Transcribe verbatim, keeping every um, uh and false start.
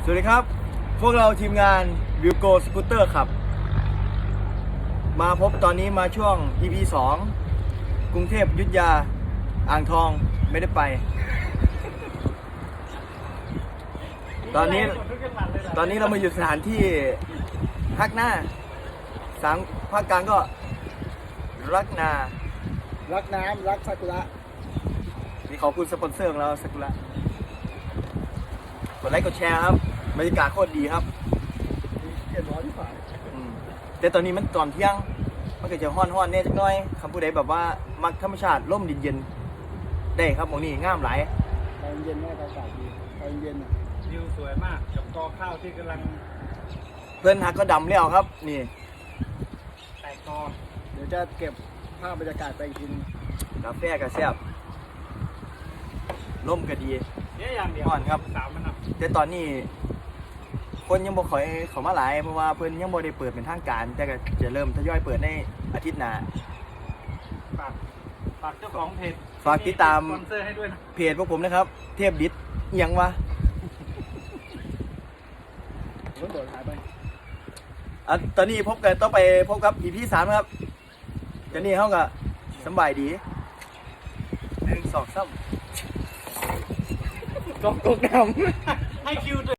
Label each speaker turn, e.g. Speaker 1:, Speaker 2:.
Speaker 1: สวัสดีครับพวกเราทีมงานวิวโกสกูตเตอร์ครับมาพบตอนนี้มาช่วง อี พี สองกรุงเทพอยุธยาอ่างทองไม่ได้ไป ตอนนี้ตอนนี้เรามาอยู่สถานที่ภาคหน้าสามภาคกลางก็รักนา
Speaker 2: รักน้ำรักซากุระ
Speaker 1: นี่ขอบคุณสปอนเซอร์ของเราสักุระกดไลค์กดแชร์ครับบรรยากาศโคตรดีครับ
Speaker 2: เย็นร้อนที่ฝ่าย
Speaker 1: อืมแต่ตอนนี้มันตอนเที่ยงมันก็จะห้อนห้อนๆแน่จักหน่อยคำพูดใดแบบว่ามักธรรมชาติร่มเย็นๆได้ครับหมองนี้งามหลาย
Speaker 2: ตอนเย็นแม่อากาศดีตอนเย็นอ่ะ
Speaker 3: วิวสวยมากกับกอข้าวที่กำลัง
Speaker 1: เพื่อนฮักก็ดำแล้วครับนี่
Speaker 3: แตกกอ
Speaker 2: เดี๋ยวจะเก็บภาพบรรยากาศไปอีกทีนึง
Speaker 1: กาแฟก็แซ่บร่มก็ดี
Speaker 3: เนี่ยอย่างเดียว
Speaker 1: ก่อนครับ
Speaker 3: สามมันอ่ะ
Speaker 1: แต่ตอนนี้ คนยังบ่ค่อยเข้ามาหลายเพราะว่าเพิ่นยังบ่ได้เปิดเป็นทางการ แต่ก็จะเริ่มทยอยเปิดในอาทิตย์หน้า
Speaker 3: ฝากฝากเจ้าของเพจ
Speaker 1: ฝากติดตาม
Speaker 3: สปอนเซอร์ให้ด้วยนะ
Speaker 1: เพจพวกผมนะครับ เทพดิษเอียงวะ
Speaker 2: รถโดดหายไป
Speaker 1: อ่ะตอนนี้พบกันต้องไปพบกับ อี พี สามครับเดี๋ยวนี้เขาก็สำบายดีหนึ่งสองสาม
Speaker 3: กองกงนำให้คิวด้วย